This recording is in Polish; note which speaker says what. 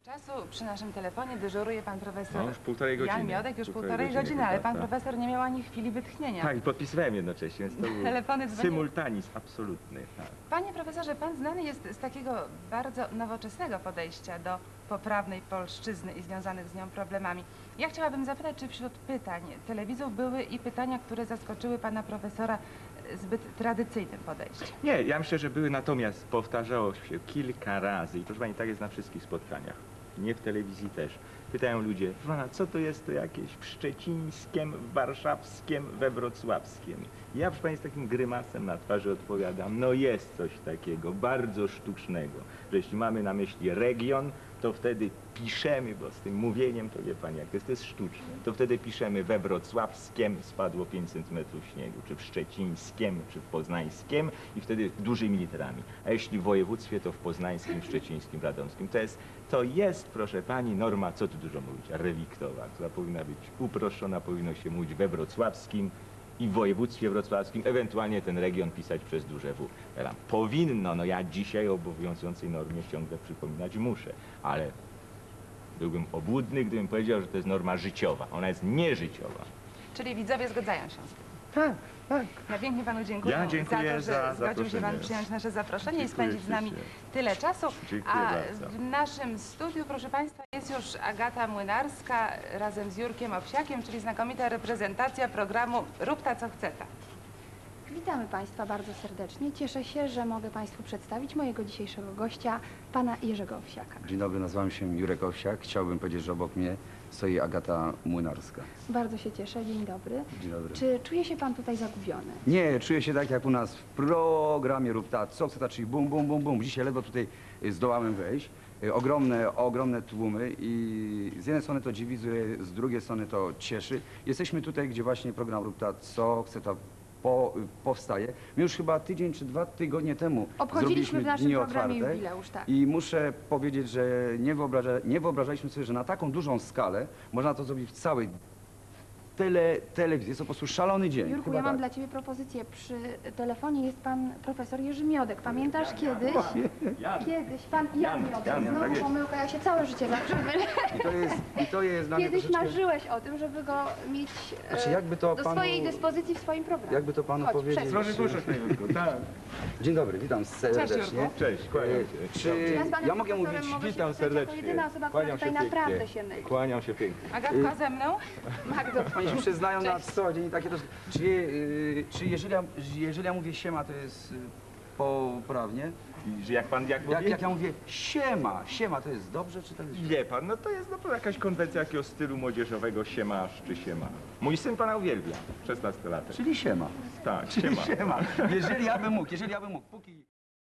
Speaker 1: Czasu przy naszym telefonie dyżuruje pan profesor
Speaker 2: No, już półtorej godziny.
Speaker 1: Jan Miodek, już półtorej
Speaker 2: godziny
Speaker 1: godziny, ale pan
Speaker 2: chyba, tak.
Speaker 1: profesor nie miał ani chwili wytchnienia.
Speaker 2: Tak, i podpisywałem jednocześnie, więc to był
Speaker 1: Telefony dzwoniły.
Speaker 2: symultanizm absolutny. Tak.
Speaker 1: Panie profesorze, pan znany jest z takiego bardzo nowoczesnego podejścia do poprawnej polszczyzny i związanych z nią problemami. Ja chciałabym zapytać, czy wśród pytań telewizów były i pytania, które zaskoczyły pana profesora zbyt tradycyjnym podejściem?
Speaker 2: Nie, ja myślę, że były, natomiast powtarzało się kilka razy i proszę pani, tak jest na wszystkich spotkaniach, nie w telewizji też. Pytają ludzie, proszę pana, co to jest to jakieś w szczecińskiem, w warszawskiem, we wrocławskiem? Ja, proszę pani, z takim grymasem na twarzy odpowiadam, no jest coś takiego, bardzo sztucznego, że jeśli mamy na myśli region, to wtedy piszemy, bo z tym mówieniem, to wie pani jak to jest sztuczne, to wtedy piszemy we wrocławskiem spadło 5 cm śniegu, czy w szczecińskim, czy w poznańskim i wtedy dużymi literami. A jeśli w województwie, to w poznańskim, szczecińskim, radomskim. To jest, proszę pani, norma, co tu dużo mówić, reliktowa, która powinna być uproszczona, powinno się mówić we wrocławskim i w województwie wrocławskim, ewentualnie ten region pisać przez duże W. Powinno, no ja dzisiaj o obowiązującej normie ciągle przypominać muszę, ale byłbym obłudny, gdybym powiedział, że to jest norma życiowa. Ona jest nieżyciowa.
Speaker 1: Czyli widzowie zgadzają się z tym.
Speaker 2: Tak, tak.
Speaker 1: Ja pięknie panu dziękuję,
Speaker 2: Ja dziękuję
Speaker 1: za to, że zgodził się pan
Speaker 2: zaproszenie.
Speaker 1: przyjąć nasze zaproszenie i
Speaker 2: Dziękuję
Speaker 1: spędzić z nami
Speaker 2: ślicznie.
Speaker 1: tyle czasu.
Speaker 2: Dziękuję
Speaker 1: A
Speaker 2: bardzo.
Speaker 1: w naszym studiu, proszę państwa, jest już Agata Młynarska razem z Jurkiem Owsiakiem, czyli znakomita reprezentacja programu Rób ta co chce ta.
Speaker 3: Witamy Państwa bardzo serdecznie. Cieszę się, że mogę Państwu przedstawić mojego dzisiejszego gościa, pana Jerzego Owsiaka.
Speaker 4: Dzień dobry, nazywam się Jurek Owsiak. Chciałbym powiedzieć, że obok mnie stoi Agata Młynarska.
Speaker 3: Bardzo się cieszę. Dzień dobry.
Speaker 4: Dzień dobry.
Speaker 3: Czy czuje się Pan tutaj zagubiony?
Speaker 4: Nie, czuję się tak jak u nas w programie Rób ta, co chce ta, czyli bum, bum, bum, bum. Dzisiaj ledwo tutaj zdołałem wejść. Ogromne tłumy i z jednej strony to dziwi, z drugiej strony to cieszy. Jesteśmy tutaj, gdzie właśnie program Rób ta, co chce ta powstaje. My już chyba tydzień czy 2 tygodnie temu
Speaker 3: Obchodziliśmy
Speaker 4: zrobiliśmy
Speaker 3: w naszym
Speaker 4: dni
Speaker 3: programie
Speaker 4: otwarte
Speaker 3: jubileusz, tak.
Speaker 4: i muszę powiedzieć, że nie wyobrażaliśmy sobie, że na taką dużą skalę można to zrobić w całej telewizji. Jest to po prostu szalony dzień.
Speaker 3: Jurku,
Speaker 4: Chyba
Speaker 3: ja mam
Speaker 4: tak.
Speaker 3: dla Ciebie propozycję. Przy telefonie jest Pan profesor Jerzy Miodek. Pamiętasz kiedyś? Kiedyś Pan Jan Miodek.
Speaker 4: Jan, tak
Speaker 3: Znowu
Speaker 4: jest.
Speaker 3: pomyłka, ja się całe życie zawsze mylę.
Speaker 4: I to jest dla mnie
Speaker 3: Kiedyś
Speaker 4: troszeczkę...
Speaker 3: marzyłeś o tym, żeby go mieć
Speaker 4: Znaczy, jakby to
Speaker 3: do
Speaker 4: panu-
Speaker 3: swojej dyspozycji w swoim programie.
Speaker 4: Jakby to panu
Speaker 3: Chodź,
Speaker 4: powiedzieć...
Speaker 3: przesuń.
Speaker 2: Proszę, tak.
Speaker 4: Dzień dobry, witam serdecznie.
Speaker 1: Jurku.
Speaker 2: Cześć, kłaniam się.
Speaker 4: Czy
Speaker 3: Ja z panem
Speaker 4: ja mogę
Speaker 3: profesorem
Speaker 4: mówić...
Speaker 3: mogę się
Speaker 2: Witam
Speaker 3: spotkać jako
Speaker 2: serdecznie.
Speaker 3: jedyna osoba, która
Speaker 2: Kłaniam
Speaker 3: tutaj
Speaker 2: się pięknie.
Speaker 3: naprawdę się myli.
Speaker 2: Kłaniam się pięknie.
Speaker 1: Agatka ze mną?
Speaker 3: Magdo,
Speaker 4: Oni się przyznają na co dzień i takie to... Czy jeżeli ja mówię siema, to jest poprawnie?
Speaker 2: I że jak pan mówi?
Speaker 4: Jak ja mówię siema, to jest dobrze, czy to jest...
Speaker 2: Wie pan, no to jest jakaś konwencja jakiegoś stylu młodzieżowego siemasz czy siema. Mój syn pana uwielbia, 16 lat.
Speaker 4: Czyli siema.
Speaker 2: Tak,
Speaker 4: Czyli
Speaker 2: siema.
Speaker 4: siema. Jeżeli ja bym mógł, póki...